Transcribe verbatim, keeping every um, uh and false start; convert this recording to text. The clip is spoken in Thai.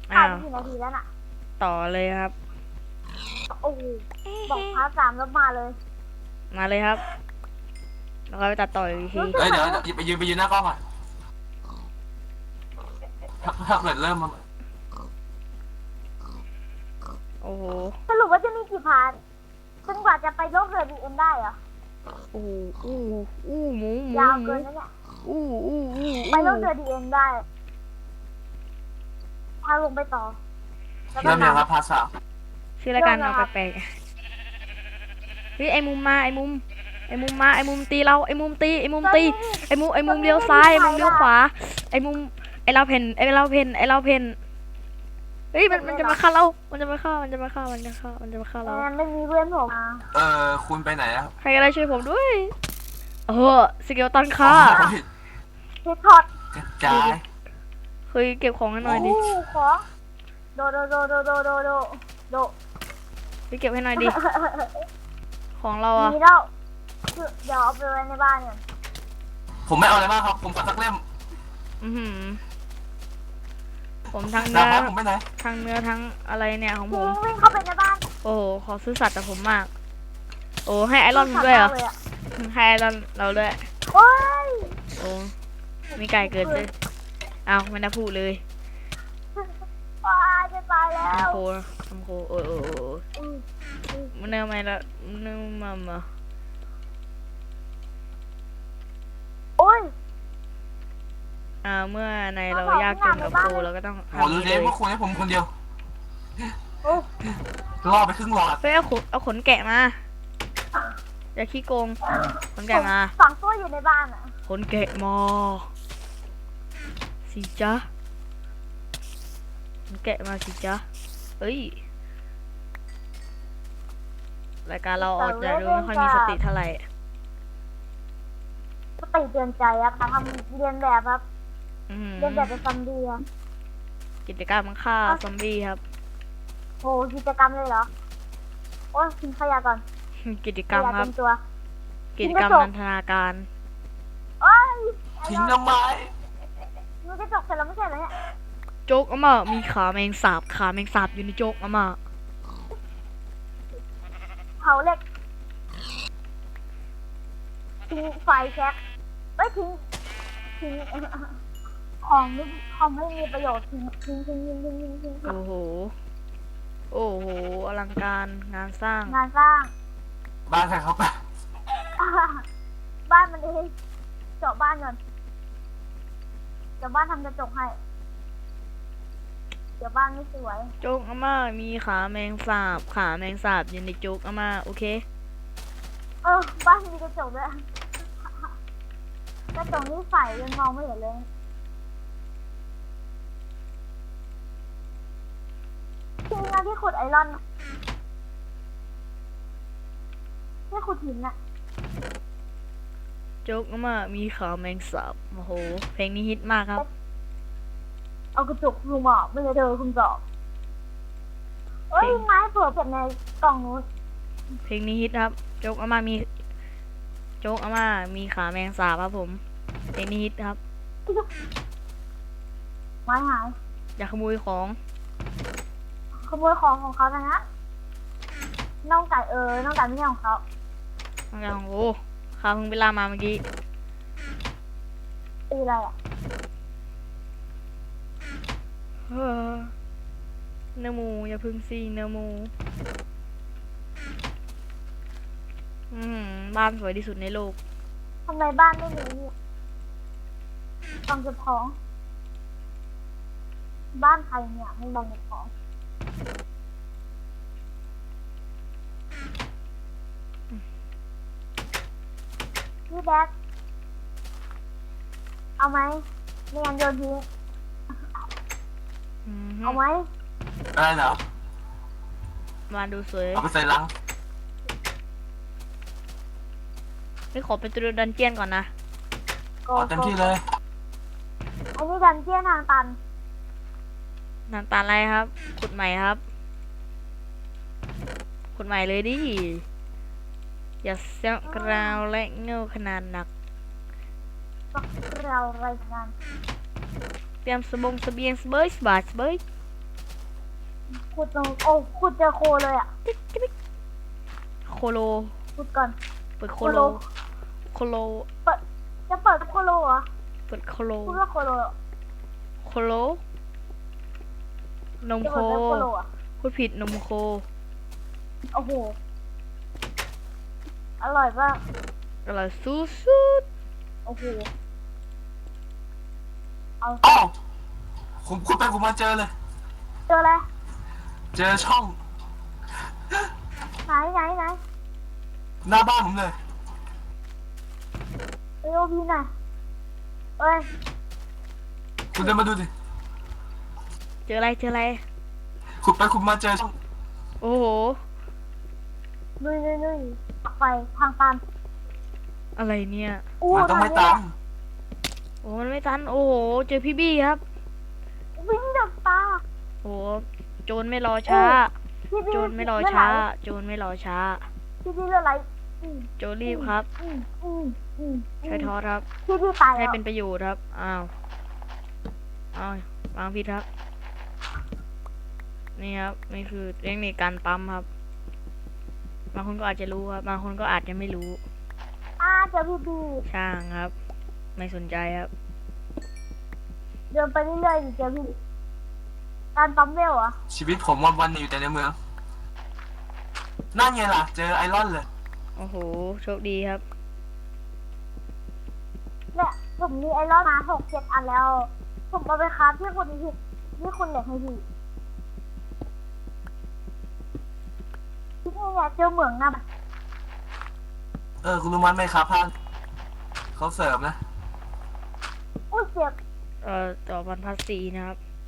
อ้าผ่านวกี่นาทีแล้วน่ะต่อเลยครับโอ้โหบอกพาร์ทสามแล้วมาเลยมาเลยครับแล้วก็ไปตัดต่ออีกทีรู้สึกเอ้ยเหมือเดี๋ยวนว่าเดี๋ยวไปยืนไปยืนหน้ากล้องก่อนถ้าถ้าเกิดเริ่มมาโอ้โหสรุปว่าจะมีกี่พาร์ทจนกว่าจะไปโลกเรือบีเอ็นได้เหรอโอ้โหอู้อู้หมูหมูยาวหมูเกินนะเนี่ยอู้อู้อู้ไปโลกเรือบีเอ็นได้พาลงไปต่อแล้วก็เริ่มยังนำครับพาร์ทสามชื่อรายการมาแปลกๆเฮ้ยไอ้มุมมาไอ้มุมไอ้มุมมาไอ้มุมตีเราไอ้มุมตีไอ้มุมตีไอ้มุมไอ้มุมเลี้ยวซ้ายไอ้มุมเลี้ยวขวาไอ้มุมไอ้เราเพนไอ้เราเพนไอ้เราเพนเฮ้ยมันมันจะมาฆ่าเรา มันจะมาฆ่ามันจะมาฆ่ามันจะฆ่ามันจะมาฆ่าเราแอนไม่มีเพื่อนผมมาเออคุณไปไหนอะใครก็ได้ช่วยผมด้วยเออสเกลตันฆ่าโอ้ยเฮดช็อตกระจายเคยเก็บของให้หน่อยดิโอ้โหของโดโดโดโดโดโดโดโดไปเก็บให้หน่อยดิของเราอะมีแล้วเดี๋ยวเอาไปไว้ในบ้านเนี่ยผมไม่เอาอะไรมากครับ ผมขอสักเล่มอือหือผมทั้งดาเนื้บอไม้ผมไปไหนทั้งเนื้อทั้งอะไรเนี่ยของผทิ้มงวิ่งเข้าไปในบ้านโอ้โหขอซื้อสัตว์แต่ผมมาก โอ้ให้ไอรอนผมด้วยเหรอลยะให้ไอรอนเราด้วยโอ้ยโอ้มีไก่เกิดด้วยเอาไม่ได้พูดเลยว้าจะตายแล้ทำวโคทำโคโอ้ยโอ้ยโอ้ยอืมอืมมันเนื้อไม่ละมันเนื้อมามาโอ้ยอ่าเมื่อในเรายากจนกับโคเราก็ต้องโอ้ทำดูนี้เดเลยว่าคุณให้ผมคนเดียวโอ้ยล่อไปครึ่งหลอดเฮ้ยเอาขนเอาขนแกะมาอย่าขี้โกงขนแกะมาฝังตัวอยู่ในบ้านอ่ะขนแกะมาสิจ๊ะขนแกะมาสิจ๊ะเอ้ยรายการเราออกจะดูไม่ค่อยมีสติเท่าไหร่สติเตือนใจอะค่ะทำเรียนแบบครับอื้อหือเรียนแบบเป็นซอมบี้อะกิจกรรมฆ่าซอมบี้ครับโหกิจกรรมเลยเหรอ โอ้ยทิ้งขยะก่อนกิจขกรรมยะครัเต็บมตัวกิจกรรมนันทนาการโอ้ยทิ้งทำไมมันจะจบเสร็จแล้วไม่ใช่เหรอเนี่ยโจ๊กอาม่ามีขาแมงสาบขาแมงสาบอยู่ในโจ๊กอาม่าเผาเหล็กทิ้งไฟแช็กเอ้ยทิ้งทิ้งของไม่ของไม่มีประโยชน์ทิ้งทิ้งทิ้งทิ้งทิ้งทิ้งทิ้งทิ้งโอ้โหโอ้โหอลังการงานสร้างงานสร้างบ้านใครเขาไปบ้านมันเองเจาะบ้านก่อนเดี๋ยวบ้านทำกระจกให้ เดี๋ยวบ้านไม่สวยโจ๊กอาม่ามีขาแมงสาบขาแมงสาบอยู่ในโจ๊กอาม่าโอเคเออบ้านมีกระจกด้วยกระจกนี่ใสยังมองไม่เห็นเลยจริงนะที่ขุดไอรอนที่ขุดหินน่ะโจ๊กอาม่ามีขาแมงสาบโอ้โหเพลงนี้ฮิตมากครับเอากระจกลุงอ่ะไม่ใช่เธอคุณจอบเอ้ยไม้เผื่อเก็บในกล่องนู้นเพลงนี้ฮิตครับ โจ๊กอาม่ามี โจ๊กอาม่ามีขาแมงสาบครับผม เพลงนี้ฮิตครับไม้หายอย่าขโมยของขโมยของของเขานะฮะน้องไก่เออน้องไก่ไม่ใช่ของเขาบางอย่างโอ้ข้าเพิ่งไปล่ามาเมื่อกี้ตีอะไรอ่ะเฮ้อเนื้อหมูอย่าพึ่งสิเนื้อหมู อืมบ้านสวยที่สุดในโลกทำไมบ้านไม่มีเนี่ยกล่องเก็บของ บ้านใครเนี่ยไม่กล่องเก็บของพี่แบ๊กเอาไหมไม่งั้นโยนทิ้งอืมเอาไหมอะไรเหรอมาดูสวยเอาไปใส่ลังไม่ขอไปตัวดันเจียนก่อนนะโกเอาเต็มโก้ที่เลยอันนี้ดันเจี้ยนทางตันน้ำตาลอะไรครับ ขุดใหม่ครับ ขุดใหม่เลยดิ อย่าเสียงกราวและเงาขนาดหนักก็เรารายงานเตรียมสบงเสบียงสเบยสบายสเบยขุดตรงโอ้ขุดเจอโคเลยอ่ะโคโลขุดก่อนเปิดโคโล โคโลเปิดจะเปิดโคโลเหรอเปิดโคโลพูดว่าโคโลเหรอโคโล นมจะโคเปิดว่าโคโลอ่ะพูดผิดนมโคโอ้โหอร่อยมากอร่อยสุดสุดโอ้โหเอาอ้าวผมขุดไปขุดมาเจอเลยเจออะไรเจอช่องไหนไหนไหนหน้าบ้านผมเลยเอโอพีหน่อยเอ้ยคุณเดินมาดูดิเจออะไรเจออะไรขุดไปขุดมาเจอช่องโอ้โหนุยนุยนุยไปทางตันอะไรเนี่ยอู้มันต้องไม่ตันโอ้มันไม่ทัน โอ้โห เจอพี่บี้ครับวิ่งดับตาโอ้โหโจรไม่รอช้าพี่พี่โจรไม่รอเลืดหลช้า โจรไม่รอช้าพี่พี่เลือดไหลอืมโจรรีบครับอืมอืมอืมใช้ทอสครับพี่พี่ตายให้แล้วเป็นประโยชน์ครับ อ้าว อ้าววางผิดครับ นี่ครับ นี่คือเทคนิคการปั๊มครับ บางคนก็อาจจะรู้ครับ บางคนก็อาจจะไม่รู้อ่าเจอพี่พี่ช่างครับ ไม่สนใจครับเดินไปเรื่อยๆดิเจอพี่การปั๊มเวลเหรอชีวิตผมวันวันๆอยู่แต่ในเมือง นั่นไงล่ะ เจอไอรอนเลยโอ้โห โชคดีครับเนี่ยผมมีไอรอนมาหกเจ็ดอันแล้ว ผมเอาไปค้าที่คุณพี่ที่คุณเหล็กให้พี่ที่นี่เนี่ยเจอเหมืองนะเออ คุณรู้มั้ยไหมครับพานเขาเสริมนะอุ้ยเจ็บเอ่อ ต่อพันพัสสีนะครับ